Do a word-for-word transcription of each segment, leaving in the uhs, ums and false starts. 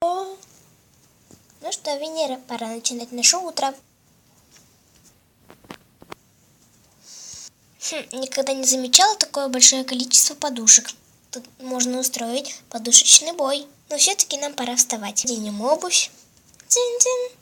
О, ну что, Венера, пора начинать наше утро. Хм, никогда не замечала такое большое количество подушек. Тут можно устроить подушечный бой. Но все-таки нам пора вставать. Оденем обувь. Дзинь-дзинь.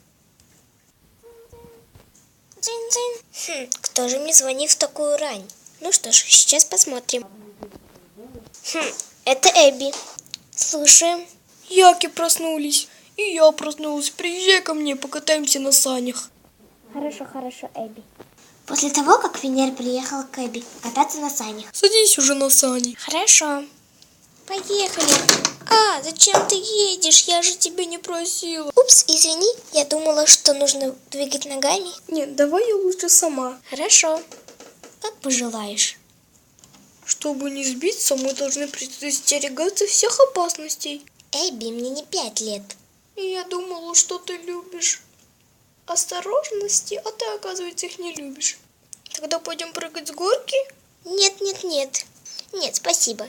Дзинь-дзинь. Хм, кто же мне звонит в такую рань? Ну что ж, сейчас посмотрим. Хм, это Эбби. Слушаем. Яки проснулись. И я проснулась. Приезжай ко мне, покатаемся на санях. Хорошо, хорошо, Эбби. После того, как Венера приехала к Эбби кататься на санях. Садись уже на сани. Хорошо. Поехали. А, зачем ты едешь? Я же тебя не просила. Упс, извини, я думала, что нужно двигать ногами. Нет, давай я лучше сама. Хорошо. Как пожелаешь. Чтобы не сбиться, мы должны предостерегаться всех опасностей. Эбби, мне не пять лет. И я думала, что ты любишь осторожности, а ты, оказывается, их не любишь. Тогда пойдем прыгать с горки? Нет, нет, нет. Нет, спасибо.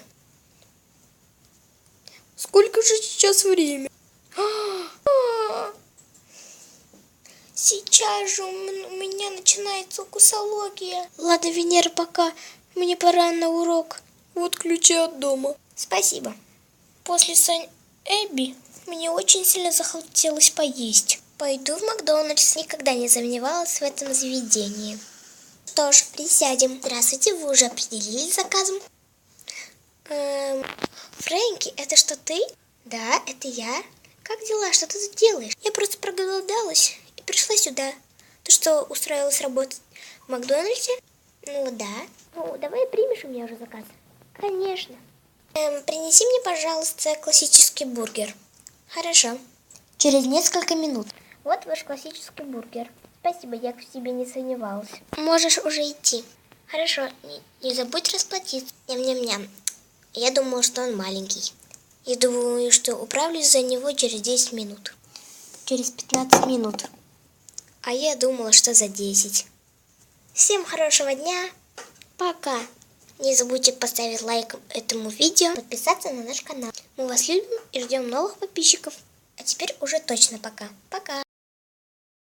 Сколько же сейчас время? Сейчас же у меня начинается укусология. Ладно, Венера, пока. Мне пора на урок. Вот ключи от дома. Спасибо. После сань Эбби мне очень сильно захотелось поесть. Пойду в Макдональдс. Никогда не сомневалась в этом заведении. Что ж, присядем. Здравствуйте, вы уже определились с заказом? Эм, Фрэнки, это что, ты? Да, это я. Как дела? Что ты тут делаешь? Я просто проголодалась и пришла сюда. Ты что, устроилась работать в Макдональдсе? Ну да. Ну, давай примешь у меня уже заказ. Конечно. Эм, принеси мне, пожалуйста, классический бургер. Хорошо. Через несколько минут. Вот ваш классический бургер. Спасибо, я в тебе не сомневалась. Можешь уже идти. Хорошо, не, не забудь расплатиться. Ням-ням-ням. Я думала, что он маленький. Я думаю, что управлюсь за него через десять минут. Через пятнадцать минут. А я думала, что за десять. Всем хорошего дня. Пока. Не забудьте поставить лайк этому видео, подписаться на наш канал. Мы вас любим и ждем новых подписчиков. А теперь уже точно пока. Пока.